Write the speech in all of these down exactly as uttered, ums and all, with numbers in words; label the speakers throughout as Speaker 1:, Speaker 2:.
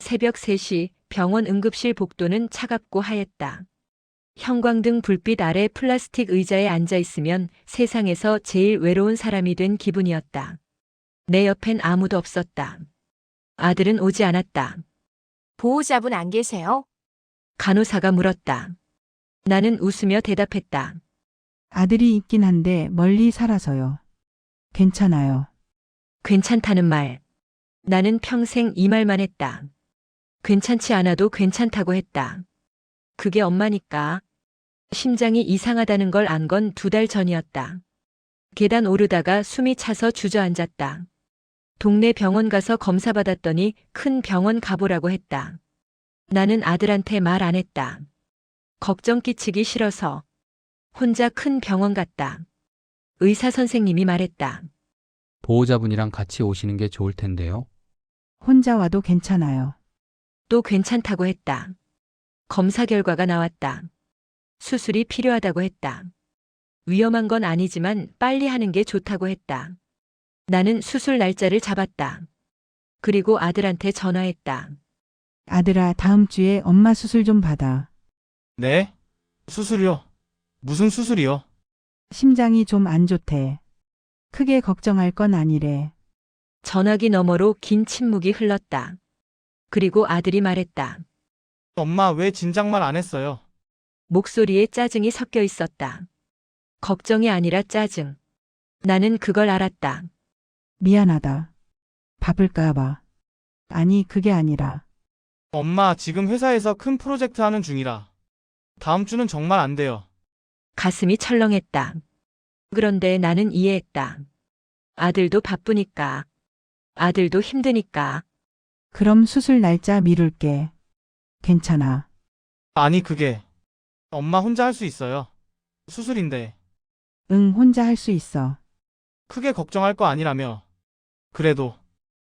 Speaker 1: 새벽 세 시 병원 응급실 복도는 차갑고 하였다. 형광등 불빛 아래 플라스틱 의자에 앉아 있으면 세상에서 제일 외로운 사람이 된 기분이었다. 내 옆엔 아무도 없었다. 아들은 오지 않았다.
Speaker 2: 보호자분 안 계세요?
Speaker 1: 간호사가 물었다. 나는 웃으며 대답했다.
Speaker 3: 아들이 있긴 한데 멀리 살아서요. 괜찮아요.
Speaker 1: 괜찮다는 말. 나는 평생 이 말만 했다. 괜찮지 않아도 괜찮다고 했다. 그게 엄마니까. 심장이 이상하다는 걸 안 건 두 달 전이었다. 계단 오르다가 숨이 차서 주저앉았다. 동네 병원 가서 검사 받았더니 큰 병원 가보라고 했다. 나는 아들한테 말 안 했다. 걱정 끼치기 싫어서. 혼자 큰 병원 갔다. 의사 선생님이 말했다.
Speaker 4: 보호자분이랑 같이 오시는 게 좋을 텐데요.
Speaker 3: 혼자 와도 괜찮아요.
Speaker 1: 또 괜찮다고 했다. 검사 결과가 나왔다. 수술이 필요하다고 했다. 위험한 건 아니지만 빨리 하는 게 좋다고 했다. 나는 수술 날짜를 잡았다. 그리고 아들한테 전화했다.
Speaker 3: 아들아, 다음 주에 엄마 수술 좀 받아.
Speaker 5: 네? 수술이요? 무슨 수술이요?
Speaker 3: 심장이 좀 안 좋대. 크게 걱정할 건 아니래.
Speaker 1: 전화기 너머로 긴 침묵이 흘렀다. 그리고 아들이 말했다.
Speaker 5: 엄마 왜 진작 말 안 했어요?
Speaker 1: 목소리에 짜증이 섞여 있었다. 걱정이 아니라 짜증. 나는 그걸 알았다.
Speaker 3: 미안하다. 바쁠까 봐. 아니, 그게 아니라.
Speaker 5: 엄마 지금 회사에서 큰 프로젝트 하는 중이라. 다음 주는 정말 안 돼요.
Speaker 1: 가슴이 철렁했다. 그런데 나는 이해했다. 아들도 바쁘니까. 아들도 힘드니까.
Speaker 3: 그럼 수술 날짜 미룰게. 괜찮아.
Speaker 5: 아니 그게 엄마 혼자 할 수 있어요. 수술인데
Speaker 3: 응, 혼자 할 수 있어.
Speaker 5: 크게 걱정할 거 아니라며. 그래도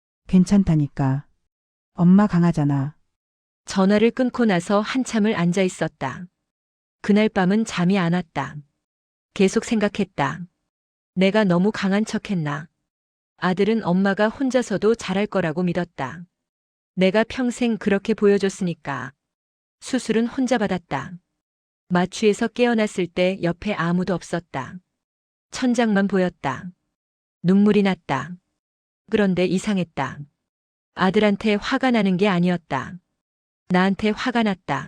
Speaker 3: 괜찮다니까. 엄마 강하잖아.
Speaker 1: 전화를 끊고 나서 한참을 앉아 있었다. 그날 밤은 잠이 안 왔다. 계속 생각했다. 내가 너무 강한 척했나. 아들은 엄마가 혼자서도 잘할 거라고 믿었다. 내가 평생 그렇게 보여줬으니까. 수술은 혼자 받았다. 마취에서 깨어났을 때 옆에 아무도 없었다. 천장만 보였다. 눈물이 났다. 그런데 이상했다. 아들한테 화가 나는 게 아니었다. 나한테 화가 났다.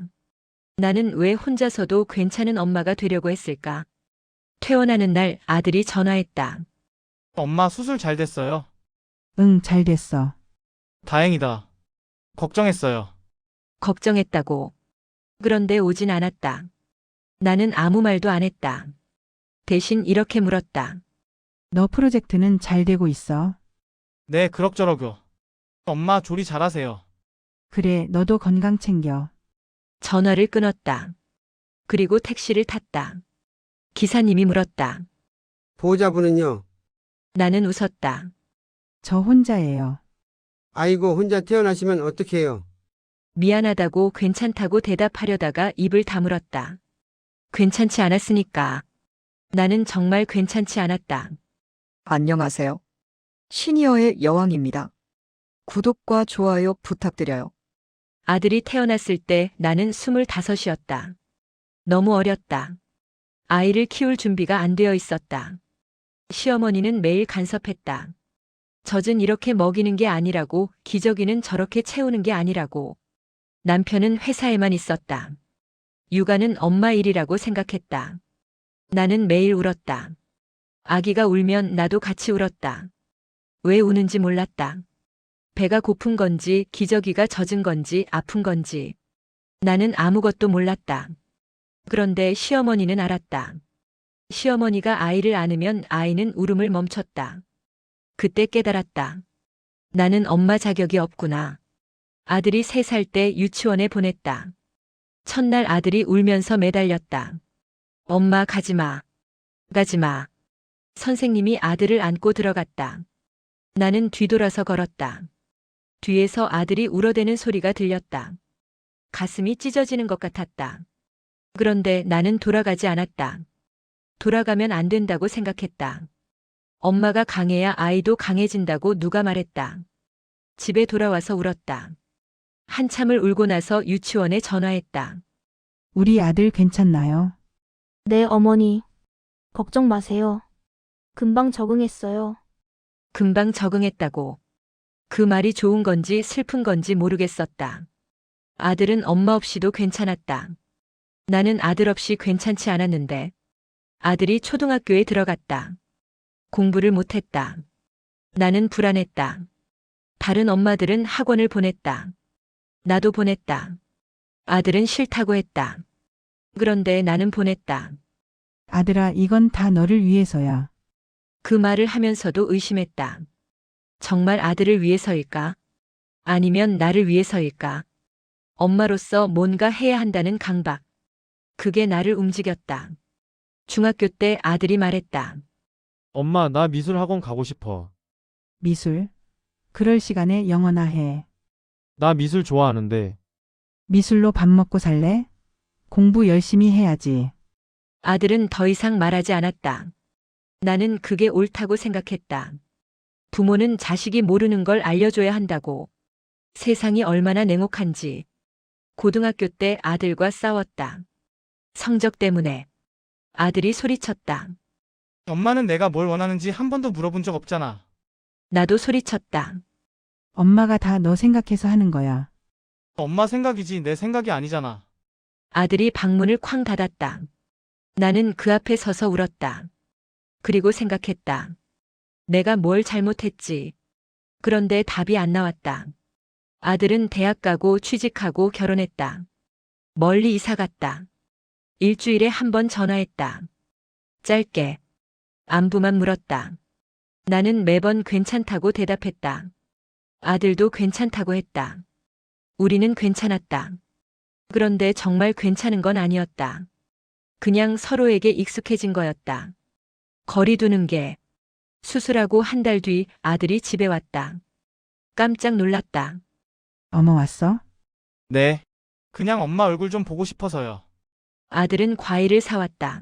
Speaker 1: 나는 왜 혼자서도 괜찮은 엄마가 되려고 했을까? 퇴원하는 날 아들이 전화했다.
Speaker 5: 엄마 수술 잘 됐어요.
Speaker 3: 응, 잘 됐어.
Speaker 5: 다행이다. 걱정했어요.
Speaker 1: 걱정했다고. 그런데 오진 않았다. 나는 아무 말도 안 했다. 대신 이렇게 물었다.
Speaker 3: 너 프로젝트는 잘 되고 있어?
Speaker 5: 네 그럭저럭요. 엄마 조리 잘하세요.
Speaker 3: 그래, 너도 건강 챙겨.
Speaker 1: 전화를 끊었다. 그리고 택시를 탔다. 기사님이 물었다.
Speaker 6: 보호자분은요?
Speaker 1: 나는 웃었다.
Speaker 3: 저 혼자예요.
Speaker 6: 아이고, 혼자 태어나시면 어떡해요?
Speaker 1: 미안하다고 괜찮다고 대답하려다가 입을 다물었다. 괜찮지 않았으니까. 나는 정말 괜찮지 않았다.
Speaker 7: 안녕하세요. 시니어의 여왕입니다. 구독과 좋아요 부탁드려요.
Speaker 1: 아들이 태어났을 때 나는 스물다섯이었다. 너무 어렸다. 아이를 키울 준비가 안 되어 있었다. 시어머니는 매일 간섭했다. 젖은 이렇게 먹이는 게 아니라고, 기저귀는 저렇게 채우는 게 아니라고. 남편은 회사에만 있었다. 육아는 엄마 일이라고 생각했다. 나는 매일 울었다. 아기가 울면 나도 같이 울었다. 왜 우는지 몰랐다. 배가 고픈 건지, 기저귀가 젖은 건지, 아픈 건지. 나는 아무것도 몰랐다. 그런데 시어머니는 알았다. 시어머니가 아이를 안으면 아이는 울음을 멈췄다. 그때 깨달았다. 나는 엄마 자격이 없구나. 아들이 세 살 때 유치원에 보냈다. 첫날 아들이 울면서 매달렸다. 엄마 가지마. 가지마. 선생님이 아들을 안고 들어갔다. 나는 뒤돌아서 걸었다. 뒤에서 아들이 울어대는 소리가 들렸다. 가슴이 찢어지는 것 같았다. 그런데 나는 돌아가지 않았다. 돌아가면 안 된다고 생각했다. 엄마가 강해야 아이도 강해진다고 누가 말했다. 집에 돌아와서 울었다. 한참을 울고 나서 유치원에 전화했다.
Speaker 3: 우리 아들 괜찮나요?
Speaker 8: 네, 어머니. 걱정 마세요. 금방 적응했어요.
Speaker 1: 금방 적응했다고. 그 말이 좋은 건지 슬픈 건지 모르겠었다. 아들은 엄마 없이도 괜찮았다. 나는 아들 없이 괜찮지 않았는데 아들이 초등학교에 들어갔다. 공부를 못했다. 나는 불안했다. 다른 엄마들은 학원을 보냈다. 나도 보냈다. 아들은 싫다고 했다. 그런데 나는 보냈다.
Speaker 3: 아들아, 이건 다 너를 위해서야.
Speaker 1: 그 말을 하면서도 의심했다. 정말 아들을 위해서일까? 아니면 나를 위해서일까? 엄마로서 뭔가 해야 한다는 강박. 그게 나를 움직였다. 중학교 때 아들이 말했다.
Speaker 9: 엄마, 나 미술 학원 가고 싶어.
Speaker 3: 미술. 그럴 시간에 영어나 해.
Speaker 9: 나 미술 좋아하는데.
Speaker 3: 미술로 밥 먹고 살래? 공부 열심히 해야지.
Speaker 1: 아들은 더 이상 말하지 않았다. 나는 그게 옳다고 생각했다. 부모는 자식이 모르는 걸 알려줘야 한다고. 세상이 얼마나 냉혹한지. 고등학교 때 아들과 싸웠다. 성적 때문에. 아들이 소리쳤다.
Speaker 5: 엄마는 내가 뭘 원하는지 한 번도 물어본 적 없잖아.
Speaker 1: 나도 소리쳤다.
Speaker 3: 엄마가 다 너 생각해서 하는 거야.
Speaker 5: 엄마 생각이지 내 생각이 아니잖아.
Speaker 1: 아들이 방문을 쾅 닫았다. 나는 그 앞에 서서 울었다. 그리고 생각했다. 내가 뭘 잘못했지. 그런데 답이 안 나왔다. 아들은 대학 가고 취직하고 결혼했다. 멀리 이사 갔다. 일주일에 한 번 전화했다. 짧게. 안부만 물었다. 나는 매번 괜찮다고 대답했다. 아들도 괜찮다고 했다. 우리는 괜찮았다. 그런데 정말 괜찮은 건 아니었다. 그냥 서로에게 익숙해진 거였다. 거리 두는 게. 수술하고 한 달 뒤 아들이 집에 왔다. 깜짝 놀랐다.
Speaker 3: 어머 왔어?
Speaker 5: 네. 그냥 엄마 얼굴 좀 보고 싶어서요.
Speaker 1: 아들은 과일을 사왔다.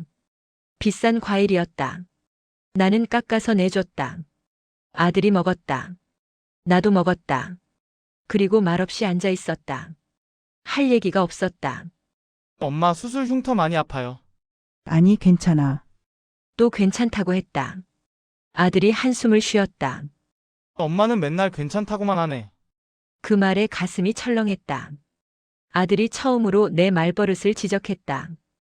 Speaker 1: 비싼 과일이었다. 나는 깎아서 내줬다. 아들이 먹었다. 나도 먹었다. 그리고 말없이 앉아 있었다. 할 얘기가 없었다.
Speaker 5: 엄마 수술 흉터 많이 아파요.
Speaker 3: 아니, 괜찮아.
Speaker 1: 또 괜찮다고 했다. 아들이 한숨을 쉬었다.
Speaker 5: 엄마는 맨날 괜찮다고만 하네.
Speaker 1: 그 말에 가슴이 철렁했다. 아들이 처음으로 내 말버릇을 지적했다.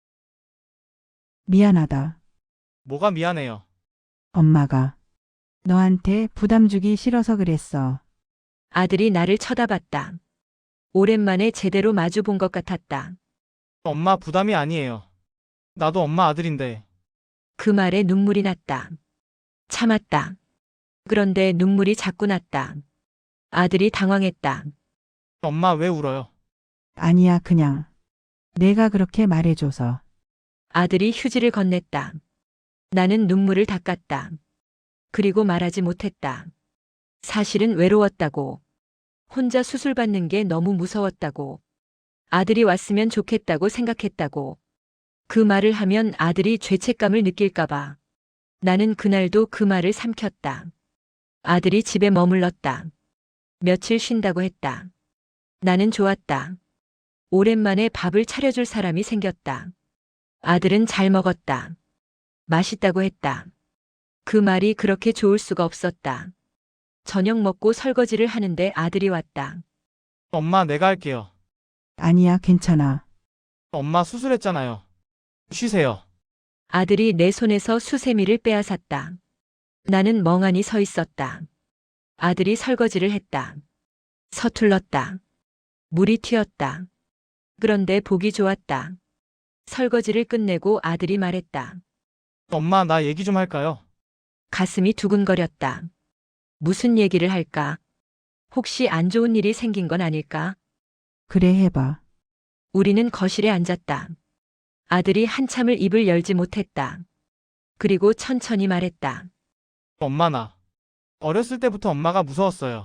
Speaker 3: 미안하다.
Speaker 5: 뭐가 미안해요.
Speaker 3: 엄마가 너한테 부담 주기 싫어서 그랬어.
Speaker 1: 아들이 나를 쳐다봤다. 오랜만에 제대로 마주 본 것 같았다.
Speaker 5: 엄마 부담이 아니에요. 나도 엄마 아들인데.
Speaker 1: 그 말에 눈물이 났다. 참았다. 그런데 눈물이 자꾸 났다. 아들이 당황했다.
Speaker 5: 엄마 왜 울어요?
Speaker 3: 아니야, 그냥. 내가 그렇게 말해줘서.
Speaker 1: 아들이 휴지를 건넸다. 나는 눈물을 닦았다. 그리고 말하지 못했다. 사실은 외로웠다고. 혼자 수술 받는 게 너무 무서웠다고. 아들이 왔으면 좋겠다고 생각했다고. 그 말을 하면 아들이 죄책감을 느낄까봐. 나는 그날도 그 말을 삼켰다. 아들이 집에 머물렀다. 며칠 쉰다고 했다. 나는 좋았다. 오랜만에 밥을 차려줄 사람이 생겼다. 아들은 잘 먹었다. 맛있다고 했다. 그 말이 그렇게 좋을 수가 없었다. 저녁 먹고 설거지를 하는데 아들이 왔다.
Speaker 5: 엄마 내가 할게요.
Speaker 3: 아니야, 괜찮아.
Speaker 5: 엄마 수술했잖아요. 쉬세요.
Speaker 1: 아들이 내 손에서 수세미를 빼앗았다. 나는 멍하니 서 있었다. 아들이 설거지를 했다. 서툴렀다. 물이 튀었다. 그런데 보기 좋았다. 설거지를 끝내고 아들이 말했다.
Speaker 5: 엄마 나 얘기 좀 할까요?
Speaker 1: 가슴이 두근거렸다. 무슨 얘기를 할까? 혹시 안 좋은 일이 생긴 건 아닐까?
Speaker 3: 그래, 해봐.
Speaker 1: 우리는 거실에 앉았다. 아들이 한참을 입을 열지 못했다. 그리고 천천히 말했다.
Speaker 5: 엄마 나. 어렸을 때부터 엄마가 무서웠어요.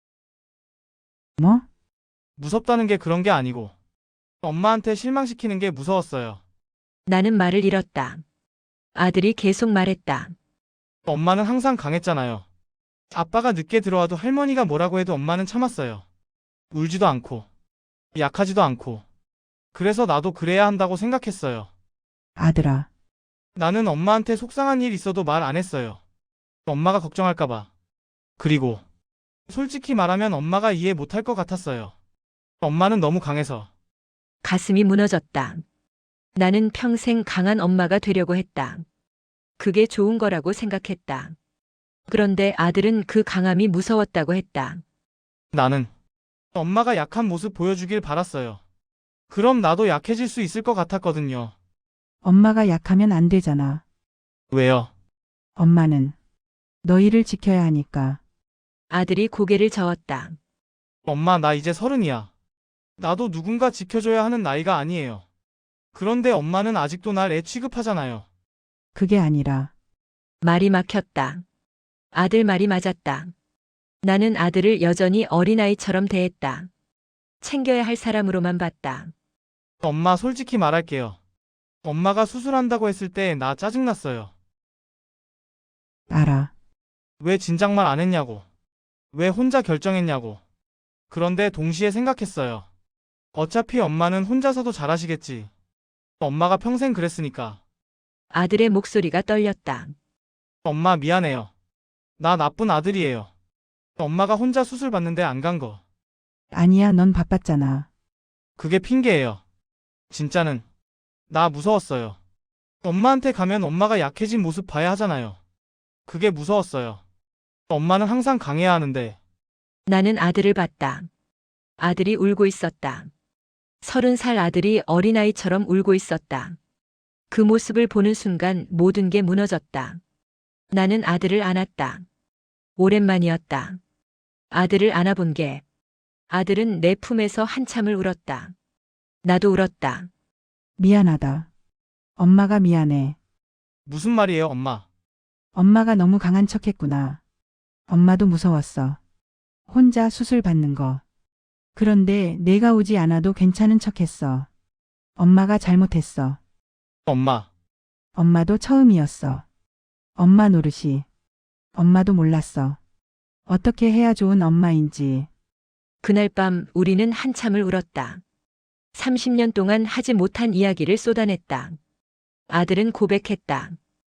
Speaker 3: 뭐?
Speaker 5: 무섭다는 게 그런 게 아니고. 엄마한테 실망시키는 게 무서웠어요.
Speaker 1: 나는 말을 잃었다. 아들이 계속 말했다.
Speaker 5: 엄마는 항상 강했잖아요. 아빠가 늦게 들어와도 할머니가 뭐라고 해도 엄마는 참았어요. 울지도 않고. 약하지도 않고. 그래서 나도 그래야 한다고 생각했어요.
Speaker 3: 아들아,
Speaker 5: 나는 엄마한테 속상한 일 있어도 말 안 했어요. 엄마가 걱정할까봐. 그리고 솔직히 말하면 엄마가 이해 못할 것 같았어요. 엄마는 너무 강해서.
Speaker 1: 가슴이 무너졌다. 나는 평생 강한 엄마가 되려고 했다. 그게 좋은 거라고 생각했다. 그런데 아들은 그 강함이 무서웠다고 했다.
Speaker 5: 나는 엄마가 약한 모습 보여주길 바랐어요. 그럼 나도 약해질 수 있을 것 같았거든요.
Speaker 3: 엄마가 약하면 안 되잖아.
Speaker 5: 왜요?
Speaker 3: 엄마는 너희를 지켜야 하니까.
Speaker 1: 아들이 고개를 저었다.
Speaker 5: 엄마, 나 이제 서른이야. 나도 누군가 지켜줘야 하는 나이가 아니에요. 그런데 엄마는 아직도 날 애 취급하잖아요.
Speaker 3: 그게 아니라
Speaker 1: 말이 막혔다. 아들 말이 맞았다. 나는 아들을 여전히 어린아이처럼 대했다. 챙겨야 할 사람으로만 봤다.
Speaker 5: 엄마, 솔직히 말할게요. 엄마가 수술한다고 했을 때 나 짜증났어요.
Speaker 3: 알아.
Speaker 5: 왜 진작 말 안 했냐고. 왜 혼자 결정했냐고. 그런데 동시에 생각했어요. 어차피 엄마는 혼자서도 잘하시겠지. 엄마가 평생 그랬으니까.
Speaker 1: 아들의 목소리가 떨렸다.
Speaker 5: 엄마, 미안해요. 나 나쁜 아들이에요. 엄마가 혼자 수술 받는데 안 간 거.
Speaker 3: 아니야, 넌 바빴잖아.
Speaker 5: 그게 핑계예요. 진짜는. 나 무서웠어요. 엄마한테 가면 엄마가 약해진 모습 봐야 하잖아요. 그게 무서웠어요. 엄마는 항상 강해야 하는데.
Speaker 1: 나는 아들을 봤다. 아들이 울고 있었다. 서른 살 아들이 어린아이처럼 울고 있었다. 그 모습을 보는 순간 모든 게 무너졌다. 나는 아들을 안았다. 오랜만이었다. 아들을 안아본 게. 아들은 내 품에서 한참을 울었다. 나도 울었다.
Speaker 3: 미안하다. 엄마가 미안해.
Speaker 5: 무슨 말이에요, 엄마?
Speaker 3: 엄마가 너무 강한 척 했구나. 엄마도 무서웠어. 혼자 수술 받는 거. 그런데 내가 오지 않아도 괜찮은 척 했어. 엄마가 잘못했어.
Speaker 5: 엄마.
Speaker 3: 엄마도 처음이었어. 엄마 노릇이. 엄마도 몰랐어. 어떻게 해야 좋은 엄마인지.
Speaker 1: 그날 밤 우리는 한참을 울었다. 삼십 년 동안 하지 못한 이야기를 쏟아냈다. 아들은 고백했다.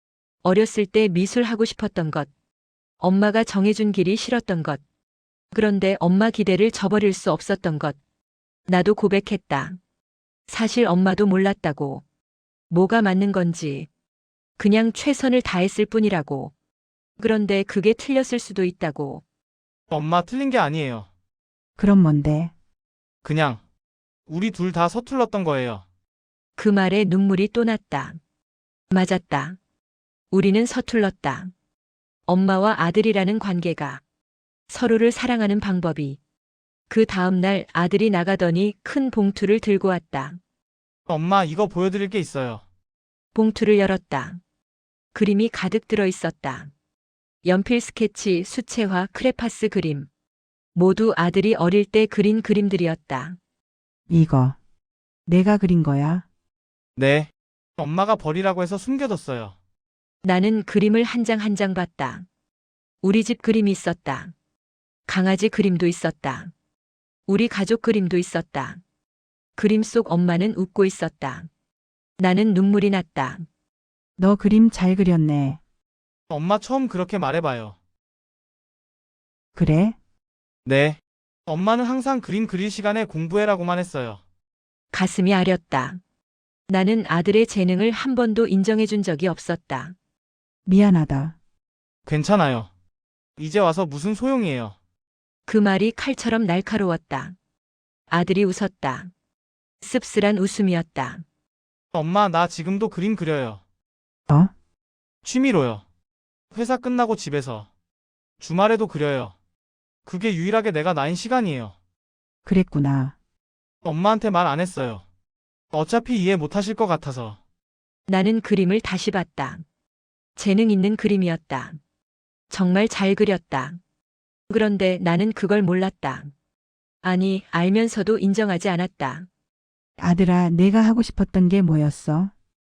Speaker 1: 어렸을 때 미술하고 싶었던 것. 엄마가 정해준 길이 싫었던 것. 그런데 엄마 기대를 저버릴 수 없었던 것. 나도 고백했다. 사실 엄마도 몰랐다고. 뭐가 맞는 건지. 그냥 최선을 다했을 뿐이라고. 그런데 그게 틀렸을 수도 있다고.
Speaker 5: 엄마, 틀린 게 아니에요.
Speaker 3: 그럼 뭔데?
Speaker 5: 그냥 우리 둘 다 서툴렀던 거예요.
Speaker 1: 그 말에 눈물이 또 났다. 맞았다. 우리는 서툴렀다. 엄마와 아들이라는 관계가, 서로를 사랑하는 방법이. 그 다음 날 아들이 나가더니 큰 봉투를 들고 왔다.
Speaker 5: 엄마, 이거 보여드릴 게 있어요.
Speaker 1: 봉투를 열었다. 그림이 가득 들어 있었다. 연필 스케치, 수채화, 크레파스 그림. 모두 아들이 어릴 때 그린 그림들이었다.
Speaker 3: 이거. 내가 그린 거야.
Speaker 5: 네. 엄마가 버리라고 해서 숨겨뒀어요.
Speaker 1: 나는 그림을 한 장 한 장 봤다. 우리 집 그림이 있었다. 강아지 그림도 있었다. 우리 가족 그림도 있었다. 그림 속 엄마는 웃고 있었다. 나는 눈물이 났다.
Speaker 3: 너 그림 잘 그렸네.
Speaker 5: 엄마, 처음 그렇게 말해봐요.
Speaker 3: 그래?
Speaker 5: 네. 엄마는 항상 그림 그릴 시간에 공부해라고만 했어요.
Speaker 1: 가슴이 아렸다. 나는 아들의 재능을 한 번도 인정해 준 적이 없었다.
Speaker 3: 미안하다.
Speaker 5: 괜찮아요. 이제 와서 무슨 소용이에요.
Speaker 1: 그 말이 칼처럼 날카로웠다. 아들이 웃었다. 씁쓸한 웃음이었다.
Speaker 5: 엄마, 나 지금도 그림 그려요.
Speaker 3: 어?
Speaker 5: 취미로요. 회사 끝나고 집에서. 주말에도 그려요. 그게 유일하게 내가 나인 시간이에요.
Speaker 3: 그랬구나.
Speaker 5: 엄마한테 말 안 했어요. 어차피 이해 못 하실 것 같아서.
Speaker 1: 나는 그림을 다시 봤다. 재능 있는 그림이었다. 정말 잘 그렸다. 그런데 나는 그걸 몰랐다. 아니, 알면서도 인정하지 않았다.
Speaker 3: 아들아, 내가 하고 싶었던 게 뭐였어?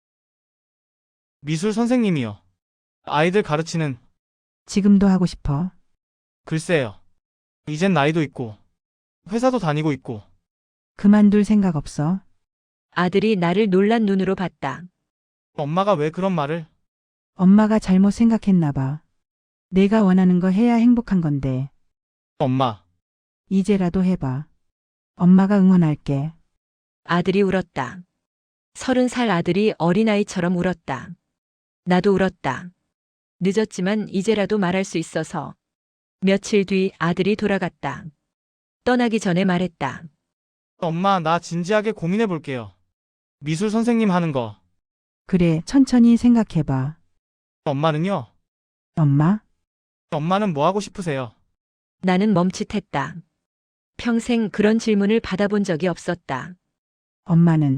Speaker 5: 미술 선생님이요. 아이들 가르치는.
Speaker 3: 지금도 하고 싶어.
Speaker 5: 글쎄요. 이젠 나이도 있고 회사도 다니고 있고
Speaker 3: 그만둘 생각 없어?
Speaker 1: 아들이 나를 놀란 눈으로 봤다.
Speaker 5: 엄마가 왜 그런 말을?
Speaker 3: 엄마가 잘못 생각했나 봐. 내가 원하는 거 해야 행복한 건데.
Speaker 5: 엄마,
Speaker 3: 이제라도 해봐. 엄마가 응원할게.
Speaker 1: 아들이 울었다. 서른 살 아들이 어린아이처럼 울었다. 나도 울었다. 늦었지만 이제라도 말할 수 있어서. 며칠 뒤 아들이 돌아갔다. 떠나기 전에 말했다.
Speaker 5: 엄마, 나 진지하게 고민해 볼게요. 미술 선생님 하는 거.
Speaker 3: 그래, 천천히 생각해봐.
Speaker 5: 엄마는요?
Speaker 3: 엄마?
Speaker 5: 엄마는 뭐 하고 싶으세요?
Speaker 1: 나는 멈칫했다. 평생 그런 질문을 받아본 적이 없었다.
Speaker 3: 엄마는?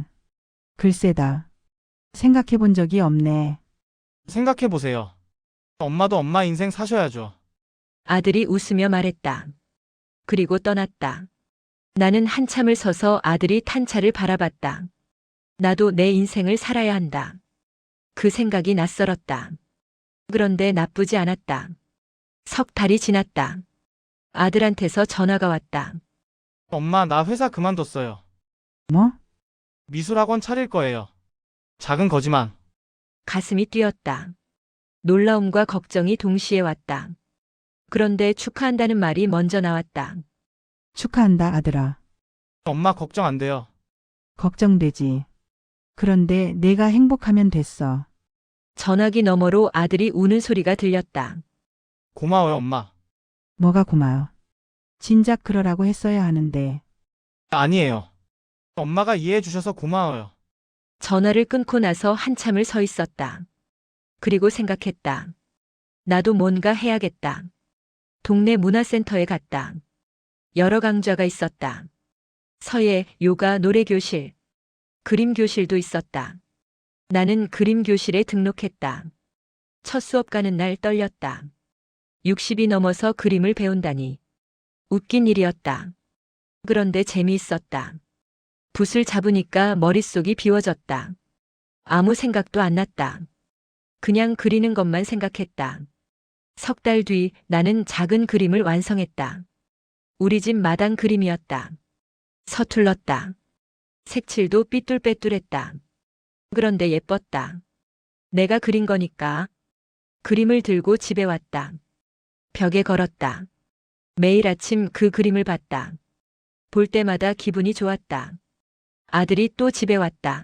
Speaker 3: 글쎄다. 생각해 본 적이 없네.
Speaker 5: 생각해 보세요. 엄마도 엄마 인생 사셔야죠.
Speaker 1: 아들이 웃으며 말했다. 그리고 떠났다. 나는 한참을 서서 아들이 탄 차를 바라봤다. 나도 내 인생을 살아야 한다. 그 생각이 낯설었다. 그런데 나쁘지 않았다. 석 달이 지났다. 아들한테서 전화가 왔다.
Speaker 5: 엄마, 나 회사 그만뒀어요.
Speaker 3: 뭐?
Speaker 5: 미술학원 차릴 거예요. 작은 거지만.
Speaker 1: 가슴이 뛰었다. 놀라움과 걱정이 동시에 왔다. 그런데 축하한다는 말이 먼저 나왔다.
Speaker 3: 축하한다, 아들아.
Speaker 5: 엄마 걱정 안 돼요.
Speaker 3: 걱정되지. 그런데 내가 행복하면 됐어.
Speaker 1: 전화기 너머로 아들이 우는 소리가 들렸다.
Speaker 5: 고마워요, 엄마.
Speaker 3: 뭐가 고마워. 진작 그러라고 했어야 하는데.
Speaker 5: 아니에요. 엄마가 이해해 주셔서 고마워요.
Speaker 1: 전화를 끊고 나서 한참을 서 있었다. 그리고 생각했다. 나도 뭔가 해야겠다. 동네 문화센터에 갔다. 여러 강좌가 있었다. 서예, 요가, 노래교실, 그림교실도 있었다. 나는 그림교실에 등록했다. 첫 수업 가는 날 떨렸다. 육십이 넘어서 그림을 배운다니. 웃긴 일이었다. 그런데 재미있었다. 붓을 잡으니까 머릿속이 비워졌다. 아무 생각도 안 났다. 그냥 그리는 것만 생각했다. 석 달 뒤 나는 작은 그림을 완성했다. 우리 집 마당 그림이었다. 서툴렀다. 색칠도 삐뚤빼뚤했다. 그런데 예뻤다. 내가 그린 거니까. 그림을 들고 집에 왔다. 벽에 걸었다. 매일 아침 그 그림을 봤다. 볼 때마다 기분이 좋았다. 아들이 또 집에 왔다.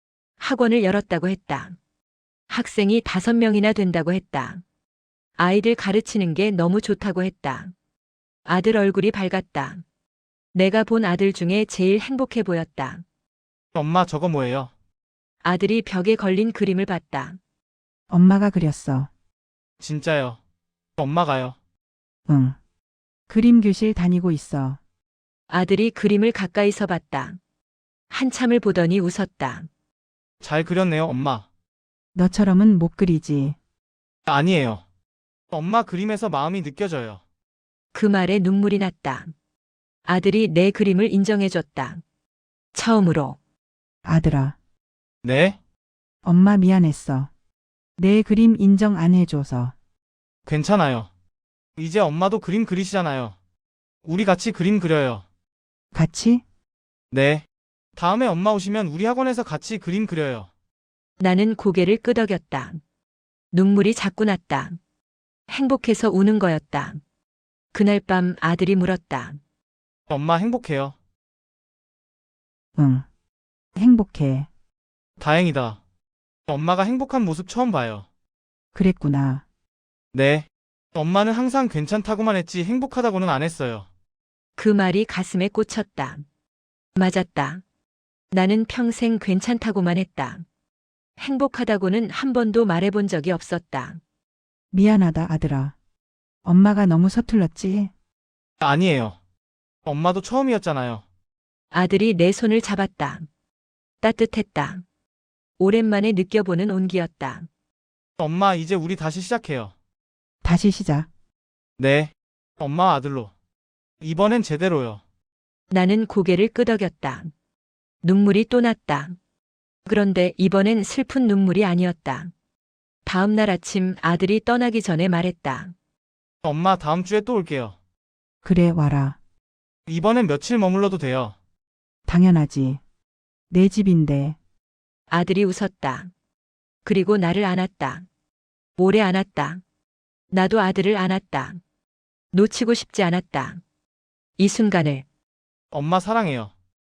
Speaker 1: 학원을 열었다고 했다. 학생이 다섯 명이나 된다고 했다. 아이들 가르치는 게 너무 좋다고 했다. 아들 얼굴이 밝았다. 내가 본 아들 중에 제일 행복해 보였다.
Speaker 5: 엄마, 저거 뭐예요?
Speaker 1: 아들이 벽에 걸린 그림을 봤다.
Speaker 3: 엄마가 그렸어.
Speaker 5: 진짜요. 엄마가요.
Speaker 3: 응. 그림 교실 다니고 있어.
Speaker 1: 아들이 그림을 가까이서 봤다. 한참을 보더니 웃었다.
Speaker 5: 잘 그렸네요, 엄마.
Speaker 3: 너처럼은 못 그리지.
Speaker 5: 아니에요. 엄마 그림에서 마음이 느껴져요.
Speaker 1: 그 말에 눈물이 났다. 아들이 내 그림을 인정해줬다. 처음으로.
Speaker 3: 아들아.
Speaker 5: 네?
Speaker 3: 엄마 미안했어. 내 그림 인정 안 해줘서.
Speaker 5: 괜찮아요. 이제 엄마도 그림 그리시잖아요. 우리 같이 그림 그려요.
Speaker 3: 같이?
Speaker 5: 네. 다음에 엄마 오시면 우리 학원에서 같이 그림 그려요.
Speaker 1: 나는 고개를 끄덕였다. 눈물이 자꾸 났다. 행복해서 우는 거였다. 그날 밤 아들이 물었다.
Speaker 5: 엄마 행복해요.
Speaker 3: 응. 행복해.
Speaker 5: 다행이다. 엄마가 행복한 모습 처음 봐요.
Speaker 3: 그랬구나.
Speaker 5: 네. 엄마는 항상 괜찮다고만 했지 행복하다고는 안 했어요.
Speaker 1: 그 말이 가슴에 꽂혔다. 맞았다. 나는 평생 괜찮다고만 했다. 행복하다고는 한 번도 말해본 적이 없었다.
Speaker 3: 미안하다, 아들아. 엄마가 너무 서툴렀지?
Speaker 5: 아니에요. 엄마도 처음이었잖아요.
Speaker 1: 아들이 내 손을 잡았다. 따뜻했다. 오랜만에 느껴보는 온기였다.
Speaker 5: 엄마, 이제 우리 다시 시작해요.
Speaker 3: 다시 시작.
Speaker 5: 네. 엄마와 아들로. 이번엔 제대로요.
Speaker 1: 나는 고개를 끄덕였다. 눈물이 또 났다. 그런데 이번엔 슬픈 눈물이 아니었다. 다음 날 아침 아들이 떠나기 전에 말했다.
Speaker 5: 엄마, 다음 주에 또 올게요.
Speaker 3: 그래, 와라.
Speaker 5: 이번엔 며칠 머물러도 돼요.
Speaker 3: 당연하지. 내 집인데.
Speaker 1: 아들이 웃었다. 그리고 나를 안았다. 오래 안았다. 나도 아들을 안았다. 놓치고 싶지 않았다. 이 순간을
Speaker 5: 엄마 사랑해요.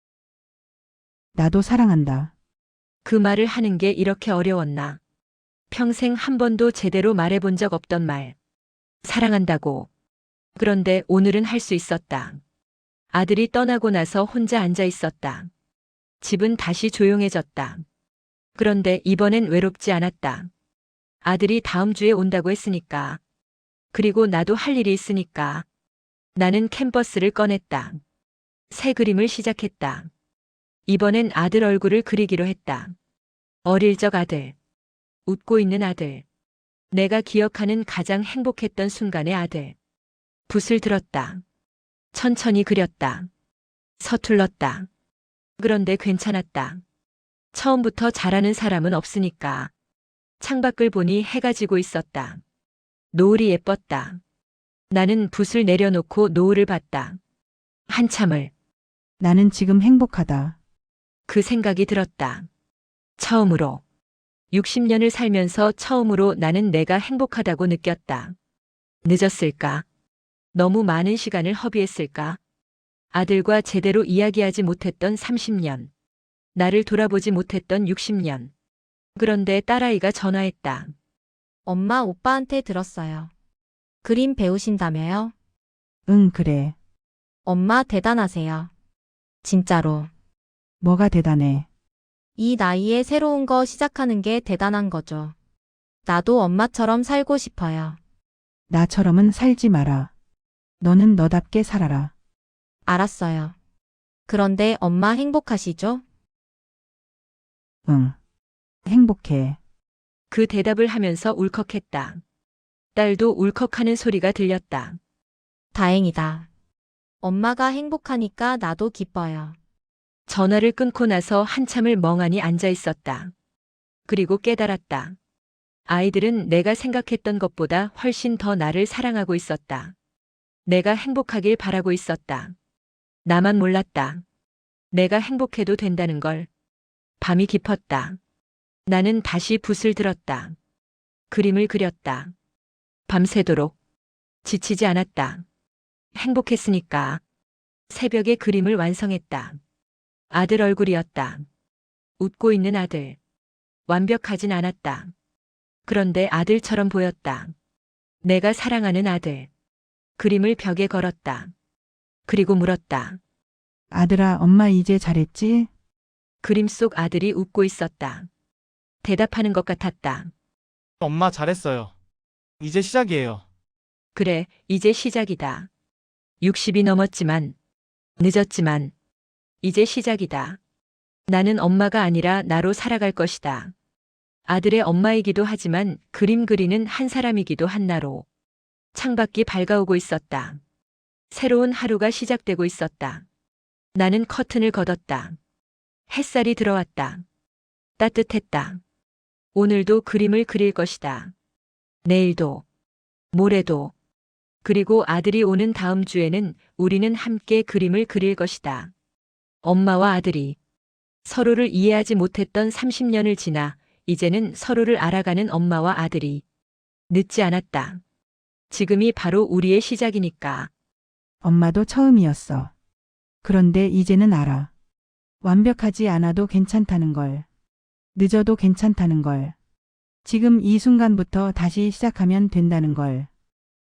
Speaker 3: 나도 사랑한다.
Speaker 1: 그 말을 하는 게 이렇게 어려웠나. 평생 한 번도 제대로 말해본 적 없던 말. 사랑한다고. 그런데 오늘은 할 수 있었다. 아들이 떠나고 나서 혼자 앉아 있었다. 집은 다시 조용해졌다. 그런데 이번엔 외롭지 않았다. 아들이 다음 주에 온다고 했으니까. 그리고 나도 할 일이 있으니까. 나는 캔버스를 꺼냈다. 새 그림을 시작했다. 이번엔 아들 얼굴을 그리기로 했다. 어릴 적 아들. 웃고 있는 아들. 내가 기억하는 가장 행복했던 순간의 아들. 붓을 들었다. 천천히 그렸다. 서툴렀다. 그런데 괜찮았다. 처음부터 잘하는 사람은 없으니까. 창밖을 보니 해가 지고 있었다. 노을이 예뻤다. 나는 붓을 내려놓고 노을을 봤다. 한참을
Speaker 3: 나는 지금 행복하다.
Speaker 1: 그 생각이 들었다. 처음으로. 육십 년을 살면서 처음으로 나는 내가 행복하다고 느꼈다. 늦었을까? 너무 많은 시간을 허비했을까? 아들과 제대로 이야기하지 못했던 삼십 년. 나를 돌아보지 못했던 육십 년. 그런데 딸아이가 전화했다.
Speaker 2: 엄마 오빠한테 들었어요. 그림 배우신다며요?
Speaker 3: 응, 그래.
Speaker 2: 엄마 대단하세요. 진짜로.
Speaker 3: 뭐가 대단해.
Speaker 2: 이 나이에 새로운 거 시작하는 게 대단한 거죠. 나도 엄마처럼 살고 싶어요.
Speaker 3: 나처럼은 살지 마라. 너는 너답게 살아라.
Speaker 2: 알았어요. 그런데 엄마 행복하시죠?
Speaker 3: 응. 행복해.
Speaker 1: 그 대답을 하면서 울컥했다. 딸도 울컥하는 소리가 들렸다.
Speaker 2: 다행이다. 엄마가 행복하니까 나도 기뻐요.
Speaker 1: 전화를 끊고 나서 한참을 멍하니 앉아 있었다. 그리고 깨달았다. 아이들은 내가 생각했던 것보다 훨씬 더 나를 사랑하고 있었다. 내가 행복하길 바라고 있었다. 나만 몰랐다. 내가 행복해도 된다는 걸. 밤이 깊었다. 나는 다시 붓을 들었다. 그림을 그렸다. 밤새도록. 지치지 않았다. 행복했으니까. 새벽에 그림을 완성했다. 아들 얼굴이었다. 웃고 있는 아들. 완벽하진 않았다. 그런데 아들처럼 보였다. 내가 사랑하는 아들. 그림을 벽에 걸었다. 그리고 물었다.
Speaker 3: 아들아, 엄마 이제 잘했지?
Speaker 1: 그림 속 아들이 웃고 있었다. 대답하는 것 같았다.
Speaker 5: 엄마 잘했어요. 이제 시작이에요.
Speaker 1: 그래, 이제 시작이다. 육십이 넘었지만, 늦었지만, 이제 시작이다. 나는 엄마가 아니라 나로 살아갈 것이다. 아들의 엄마이기도 하지만 그림 그리는 한 사람이기도 한 나로. 창밖이 밝아오고 있었다. 새로운 하루가 시작되고 있었다. 나는 커튼을 걷었다. 햇살이 들어왔다. 따뜻했다. 오늘도 그림을 그릴 것이다. 내일도, 모레도, 그리고 아들이 오는 다음 주에는 우리는 함께 그림을 그릴 것이다. 엄마와 아들이 서로를 이해하지 못했던 삼십 년을 지나 이제는 서로를 알아가는 엄마와 아들이. 늦지 않았다. 지금이 바로 우리의 시작이니까.
Speaker 3: 엄마도 처음이었어. 그런데 이제는 알아. 완벽하지 않아도 괜찮다는 걸. 늦어도 괜찮다는 걸. 지금 이 순간부터 다시 시작하면 된다는 걸.